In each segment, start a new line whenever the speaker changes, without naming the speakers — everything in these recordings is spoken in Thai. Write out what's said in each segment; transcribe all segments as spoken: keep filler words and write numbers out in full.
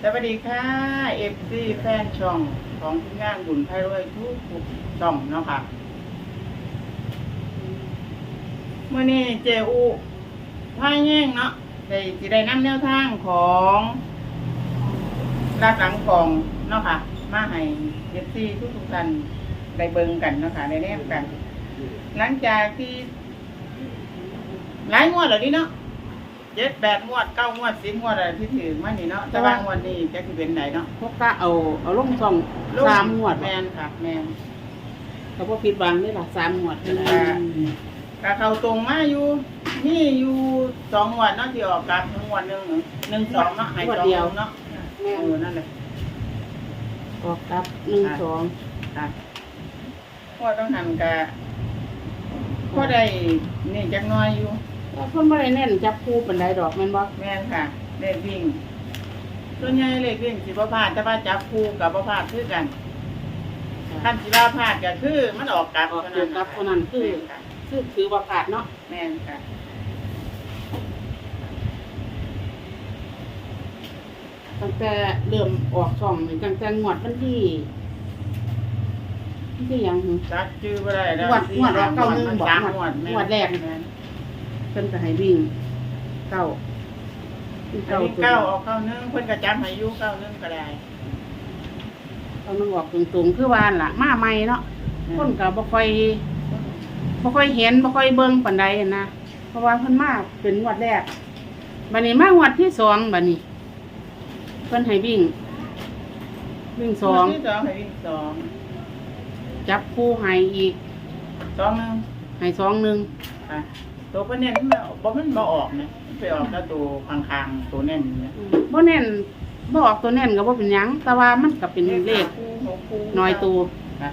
วัสดีค่ะเอฟซีแฟนช่องของทีมงานบุญไพรวยทุกช่องเนาะค่ะเมื่อนี้เจอูพายแย่งเนาะได้สิได้นำแนวทางของรักหลังกองเนาะค่ะมาให้เอฟซีทุกทุกท่านได้เบิ่งกันเนาะค่ะได้แนบกัน หลังจากที่หลายงวดแล้วนี่เนาะเจ็ดแปดงวดเก้างวดสิบงวดอะไรที่ถือมานี่เนาะแต่ว่างวดนี้จะคือเป็นไหนเนาะ
พวกก็เอาเอาลงซองสามงวด
แมนค่ะแมน
เขาพวกผิดหวังได้หรอสามงวดนะ
กะเขาตรงมาอยู่นี่อยู่สองงวดเนาะที่ออกกับงวดหนึ่งหนึ่งสองเนาะหายสองเนาะเออนั่นแหละ
ออกกับหนึ่งสอง
ค่ะพ่อต้องหันกะพ่อได้นี่จักน้อยอยู่
แล้วคนไม่ได้แน่นจับคู่เป็นไรดอกแม่นบ่
แม่นค่ะเลขวิ่งส่วนใหญ่เลขวิ่งสิบ่พลาดแต่ว่าจับคู่กับบ่พลาดคือกันขั้นสิว่าพลาดก็คือมันออกกลับ
ออกเกี่ยวกับคนนั้นคือคือถือว่าขาดเนาะ
แม่นค่ะ
ตั้งแต่เริ่มออกช่องนี่ตั้งแต่งวดวันที่ที่ยัง
จักชื่อบ่ได้แล้ว
งวดงวดออกเก้าหนึ่งบอกงวดงวดแรกเพิ่นก็ให้วิ่งเก้า
เก้าเก้าออกเก้าหนึ่งเพิ่นก็จำให้อยู่เก้าหนึ่งก็ได้
เอานึงออกตรงๆคือว่าล่ะมาใหม่เนาะคนก็บ่ค่อยบ่ค่อยเห็นบ่ค่อยเบิ่งปานใดนะเพราะว่าเพิ่นมาเป็นงวดแรกบัดนี้มางวดที่สองบัดนี้เพิ่นให้วิ่งวิ่งสอง
ที่สองให้วิ่งสอง
จับคู่ให้อีก
สองหนึ่ง
ให้สองหนึ่ง
ค่ะตัวเพิ่นเน้นมันบ่มันบ่ออกนะไปออกแล้วตัวข้างๆตัวเน้นเนี่ย
บ่เน้นบ่ออกตัวเน้นก็บ่เป็นหยังแต่ว่ามันก็เป็นเลขน้อยตัว
ค่ะ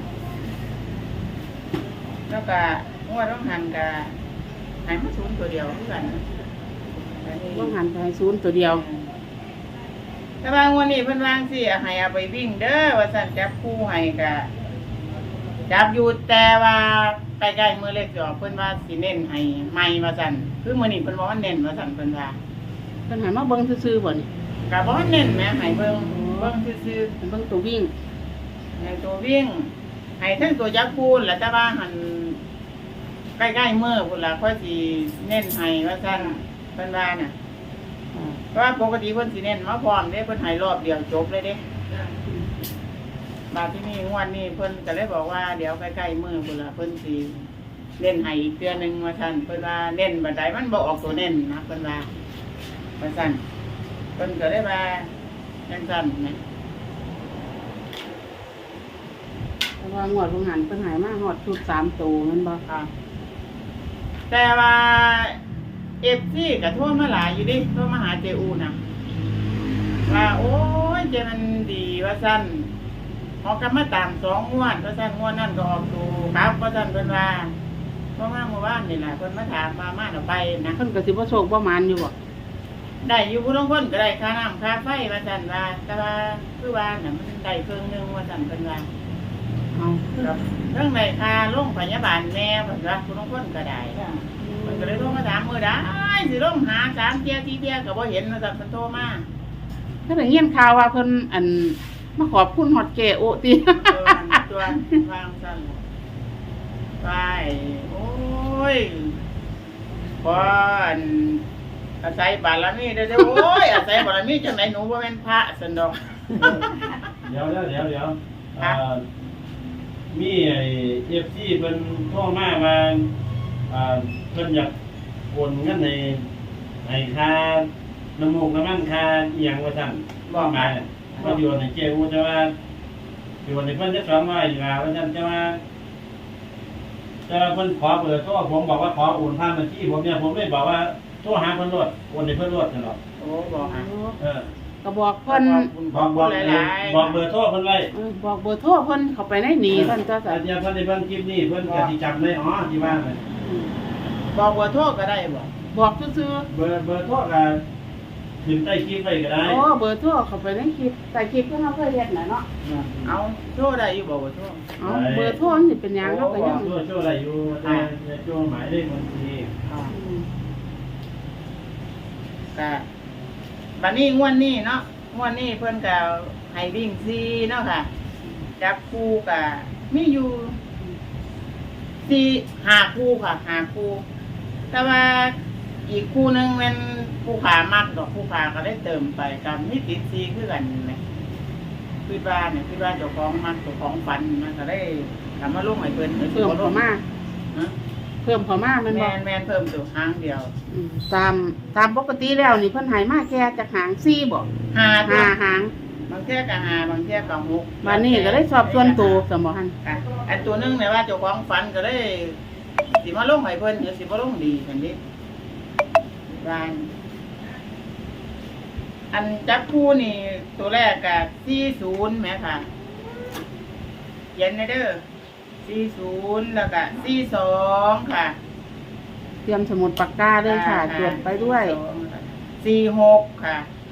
แล้วก็งวดต้องหันก็ให้มาศูนย์ตัวเดียวคือกัน
ต้องหันไปศูนย์ตัวเดียว
แต่ว่างวดนี้เพิ่นวางสิให้เอาไปวิ่งเด้อว่าซั่นจับคู่ให้ก็จับอยู่แต่ว่าใกล้ๆมื้อเล็กสิออกเพิ่นว่าสิเน้นให้ใหม่ว่าซั่นคือมื้อนี้เพิ่นว่ามันเน้นว่าซั่นเพิ่นว่า
เพิ่นให้มาเบิ่งซื่อๆบ่นี่
ก็บ่เน้นแหมให้เบิ่งเบิ่งซื่อ
ๆเบิ่งตัววิ่ง
ให้ตัววิ่งให้ทั้งตัวจับคู่แล้วแต่ว่าหั่นใกล้ๆมื้อพุ่นล่ะค่อยสิเน้นให้ว่าซั่นเพิ่นว่าน่ะเพราะว่าปกติเพิ่นสิเน้นมาพร้อมเด้เพิ่นให้รอบเดียวจบเลยเด้มาที่นี่งวดนี้เพิ่นก็เลยบอกว่าเดี๋ยวใกล้ๆมื้อพุ่นล่ะเพิ่นสิเน้นให้อีกเดือนนึงว่าซั่นเพิ่นว่าเน้นบัดใดมันบ่ออกตัวเน้นนะเพิ่นว่าว่าซั่นเพิ่นก็เลยว่าจังซั่นนะ
เพราะว่างวดบ่หันเพิ่นให้มาฮอดชุดสามตัวแม่นบ่
ค่ะแต่ว่า เอฟ ซี ก็โทรมาหลายอยู่ดิโทรมาหาเจอูน่ะว่าโอ้ยเจมันดีว่าซั่นออกกันมาตามสองงวดว่าซั่นงวดนั่นก็ออกตูครับว่าซั่นเพิ่นว่าเพราะว่าเมื่อวานนี่แหละเพิ่นมาถามมามาเอาไปนะ
เพิ่นก็สิบ่โชคบ่หมานอยู่บ่
ได้อยู่ผู้ลางคนก็ได้ค่าน้ำค่าไฟว่าซั่นว่าแต่ว่าคือว่าน่ะมันได้ครึ่งนึงว่าซั่นเพิ่นว่าเอาครับเรื่องในค่าโรงพยาบาลแม่เพิ่นว่าผู้ลางคนก็ได้เพิ่นก็เลยโทรมาถามมื้อใดสิลงหาสามเที่ยสี่เที่ยก็บ่เห็นว่าซั่นเพิ่นโทรมา
ถ้าได้ยินข่าวว่าเพิ่นอันมาขอบคุณฮอดแก่โอติ
เออตัววางซั่นไปโอ้ยพออันอาศัยบารมีเด้อโอ้ยอาศัยบารมีจังไหนหนูบ่แม่นพระซั่นดอก
เดี๋ยวเดี๋ยวเดี๋ยวเดี๋ยวเอ่อมีไอ้ เอฟ ซี เพิ่นโทรมาว่าอ่าเพิ่นอยากโอนเงินให้ให้ค่าน้ำมูกน้ำมันค่าอีหยังว่าซั่นบ่มาบ่อยู่ในเจ้าแต่ว่าอยู่ในเพิ่นจะสอนว่าอยู่ว่าว่าซั่นแต่ว่าแต่ว่าเพิ่นขอเบอร์โทรผมบอกว่าขอโอนผ่านบัญชีผมเนี่ยผมเลยบอกว่าโทรหาเพิ่นโลดโอนให้เพิ่นโลดนั่นหรอก
โอ้บอกอ่ะ
เออก็บอกเพิ่น
บอกบอกบอกเบอร์โทรเพิ่นไว้
บอกเบอร์โทรเพิ่นเข้าไปในนี้เพิ่นก็จะ
เดี๋ยวเพิ่นได้เพิ่นคลิปนี้เพิ่นก็สิจำได้อ๋อที่ว่าเลย
บอกเบอร์โทรก็ได้บ่
บอกซื่อ
ๆเบอร์เบอร์โทรก็ขึ้นใต้คลิปไว้ก็ได้
โอ้เบอร์โทรเข้าไปในคลิปใต้คลิปเพิ่นเฮาเคยเฮ็ดน่ะเนาะ
เอาโทรได้อยู่บ่เบอร์โทร
เอาเบอร์โทรมันสิเป็นหยังเนาะก็ยัง
โทรโทรได้อยู่แต่ในช่วงหมายเลขบัญชี
ก็บัดนี้งวดนี้เนาะงวันนี้เพิ่นก็ให้วิ่งซีเนาะค่ะจับคู่ก็มีอยู่สี่ห้าคู่ค่ะห้าคู่แต่ว่าอีกคู่หนึงมันผู้ขามักดอกผู้ขาก็ได้เติมไปกับมีติดซีคือกันแหมคิดว่าเนี่ยคิดว่าเจ้าของมักเจ้าของฝันมันก็ได้ทำมาลงให้เพิ่น
เพิ่มเข้ามา
ฮะ
เพิ่มเข้ามามัน
แม
บ่
นแมนเพิ่มตัวหางเดียว
อืมตามตามปกติแล้วนี่เพิ่นให้มาแค่จากหางสี่บ่
หาตัว
ห้าหาง
บางเที่ยก็หาบางเที่ยก็หก
วันนี้ก็ได้สอบส่วนตัวสมบ่ฮัน
ค่ะอันตัวหนึงเนี่ยว่าเจ้าของฝันก็ได้สิมาลงให้เพิ่นหรือสิบ่ลงดีกันดิวานอันจับคู่นี่ตัวแรกก็สี่ศูนย์แหมค่ะเขียนในเด้อสี่ศูนย์แล้วก็สี่สองค่ะ
เตรียมสมุดปากกาด้วยค่ะจดไปด้วย
สี่หกค่ะ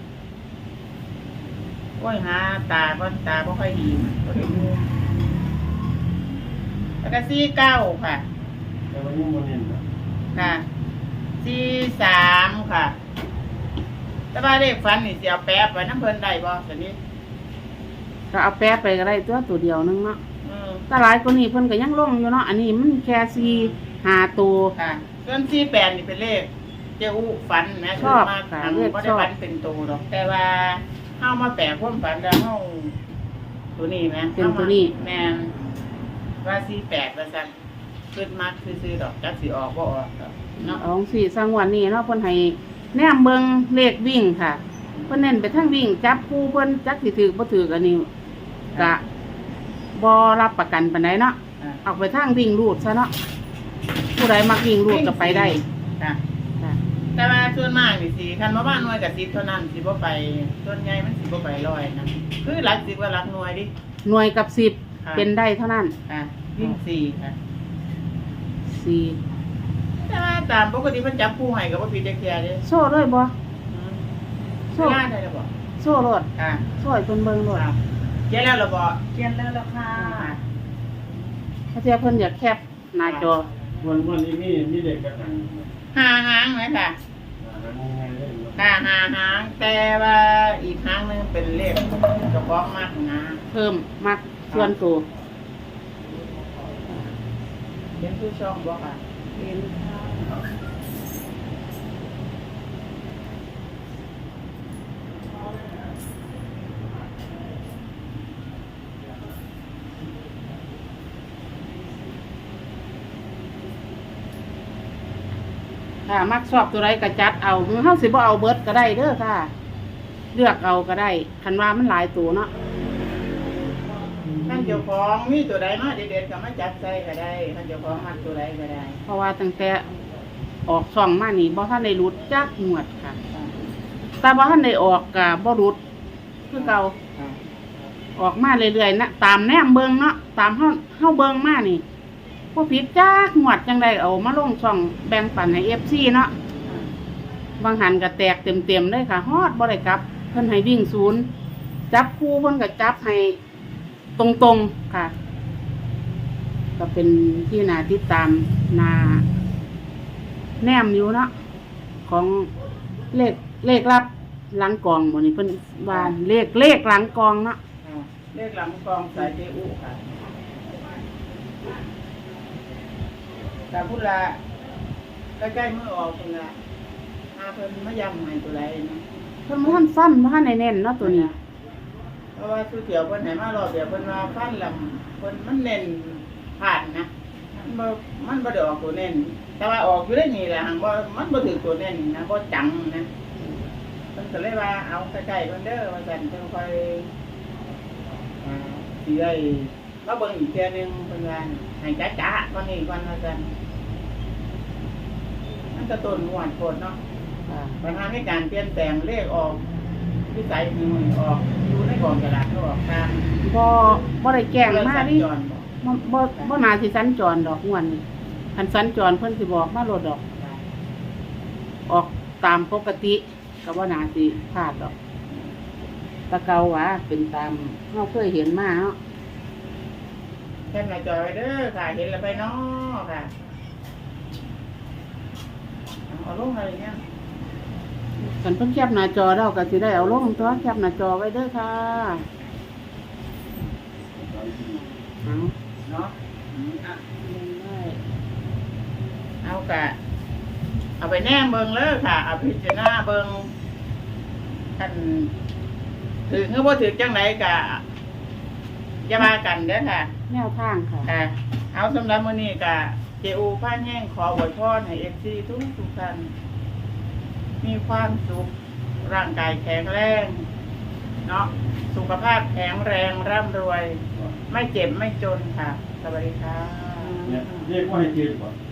โอ้ยหาตาก้อนตาบ่ค่อยดีบ่ได้ดูแล้วก็สี่เก้าค่ะ
แต่ว่ายังบ่เน้นนะ
ค่ะสี่สามค่ะแต่ว่าเลขฟันนี่สิเอาแป๊บไว้น้ำเพิ่นได้บ่สันนี้
ก็เอาแป๊บไปก็ได้ตัวตัวเดียวนึงเนาะ
อืม
แต่หลายกว่านี้เพิ่นก็ยังลงอยู่เนาะอันนี้มันแค่สี่ห้าตัว
ค่ะส่วนสี่แปดนี่เป็นเลขเจ้าอู้ฝันนะ
ชอบ
มาก
ค่ะ
ทาง
เลข
บ่
ช
ได้
อบ
ฝันเป็นตัวหรอก แต่ว่าเฮามาแปลความฝันแล้วเฮาตัวนี้นะ
เป็นตัวนี้
แม่นว่าสี่แปดว่าซั่นขึ้นมากซื่อๆดอกจักสิออกบ่ออกดอกเนาะ
เอาสี่สังวันนี้เนาะเพิ่นให้แนมเบิ่งเลขวิ่งค่ะเพิ่นเน้นไปทางวิ่งจับคู่เพิ่นจักสิถือบ่ถืออันนี้ก็บ่รับประกันปานใดเนาะ
อ่า
เอาไปทางวิ่งรูดซะเนาะผู้ใดมักวิ่งรูดก็ไปได้
ค่ะ
ค่ะ
แต่ว่าส่วนมากนี่สิคันว่าบ้านหน่วยกับสิบเท่านั้นสิบ่ไปส่วนใหญ่มันสิบ่ไปร้อยนะคือหลักสิบว่าหลักหน่วยดิ
หน่วยกับสิบ
ค่ะ
เป็นได้เท่านั้น
ค่ะวิ่งสี่ค่ะ
สี่
แต่ว่าตามปกติมันจับผู้ให้ก็บ่ผิดจักเที่ยเด้
โซ่ด้วยบ่
อืม
โซ่
งานได้แล้วบ่
โซ่รถ
ค่ะ
โซ่ให้เพิ่นเบิ่งรถ
ค่ะเขียนแล้วเหรอบ่
เขียนแล้วล่ะค่ะ
ถ้าเทียเพิ่นอยากแคปหน้าจอ
วันวันนี้มีมีเด็กกระหัง
หาหางไหมค่ะ
หาง่ายๆเลยเนาะ
ค่ะหาหางแต่ว่าอีกหางหนึงเป็นเลขเฉพาะมากนะ
เพิ่มมักส่วนตัว
เห็นผู้ช่องบ่ค่ะ
เห็นค่ะมักชอบตัวใดก็จัดเอาเฮาสิบ่เอาเบิดก็ได้เด้อค่ะ เลือกเอาก็ได้คันว่ามันหลายตัวเนาะ
ท่านเจ้าของมีตัวใดมาเด็ดๆก็มาจับใส่ก็ได้ท่านเจ้าของมักตัวใดก็ได้
เพราะว่าตั้งแต่ออกช่องมานี่บ่ทันได้รุดจักหมวดค่ะ แต่บ่ทันได้ออกก็บ่รุดคือเก่าออกมาเรื่อยๆนะตามแนมเบิ่งเนาะตามเฮาเฮาเบิ่งมานี่บ่ผิดจักหมวดจังไดเอามาลงช่องแบ่งปันให้ เอฟ ซี เนาะบางหันก็แตกเต็มๆเลยค่ะฮอดบ่ได้กลับเพิ่นให้วิ่งศูนย์จับคู่เพิ่นก็จับให้ตรงๆค่ะ ก็เป็นที่น่าติดตามน่าแนมอยู่เนาะของเลขเลขลับหลังกองหมดนี่เพิ่นว่าเลขเลขหลังกองเนาะ
อ่าเลขหลังกองสายเจอุค่ะแต่พุทธละใกล้ๆเมื่อออกพุ่นละหาเพิ่นมาย้ำให้ตัวใดนะ
เพิ่นบ่ทันฟันบ่ทันได้แน่นเนาะตัวนี้
เพราะว่าสุเถียวเพิ่นให้มารอบเดียวเพิ่นว่าฟันลำเพิ่นมันเน้นผ่านนะมันบ่มันบ่ได้ออกตัวเน้นแต่ว่าออกอยู่ได้นี่แหละหังบ่มันบ่ถือตัวเน้นนะบ่จังนะเพิ่นก็เลยว่าเอาใกล้ๆเพิ่นเด้อว่าซั่นเพิ่นค่อยอ่าสิได้มาเบิ่งอีกเทื่อนึงเพิ่นว่าให้จ๊ะๆก่อนนี้ก่อนว่าซั่นมันก็ต้นหวานโพดเนาะ
ค่ะ
ปัญหาในการเปลี่ยนแปลงเลขออกวิสัยมือออกอยู่ในกองกระดาษก็ออกตาม
บ่บ่ได้แกล้งมา
สัญ
ดิ
จรบอก
บ่บ่บ่น่าสิสัญจรดอกม่วนนี่คันสัญจรเพิ่นสิบอกมาโลดดอก ออกตามปกติก็บ่น่าสิพลาดดอกแตะเกาว่าเป็นตามเฮาเคยเห็นมาเนาะ
แค่หน้าจอยเด้อค่ะเห็นแล้วไปเนาะค่ะเอาลงอะไรเนี่ย
จกันเพิ่นแคปหน้าจอแล้วก็สิได้เอาลงตัวแคปหน้าจอไว้เด้อค่ะเอา
เนาะอืมอ่ะ
ลงได้
เอากะเอาไปแนมเบิงเลยค่ะเอาพิจารณาเบิงกันถือคือว่าถือจังไหนกะอย่ามากันเด้อค่ะ
แนวทางค่ะ
ค่ะ เอาสำหรับมื้อนี้กะเจอูผ้าแห้งขออวยพรให้เอฟซีทุกทุกท่านมีความสุขร่างกายแข็งแรงเนาะสุขภาพแข็งแรงร่ำรวย ไม่เจ็บไม่จนค่ะ สวัสดีค่ะ
เนี่ยเรียกว่าให้จืดก่อน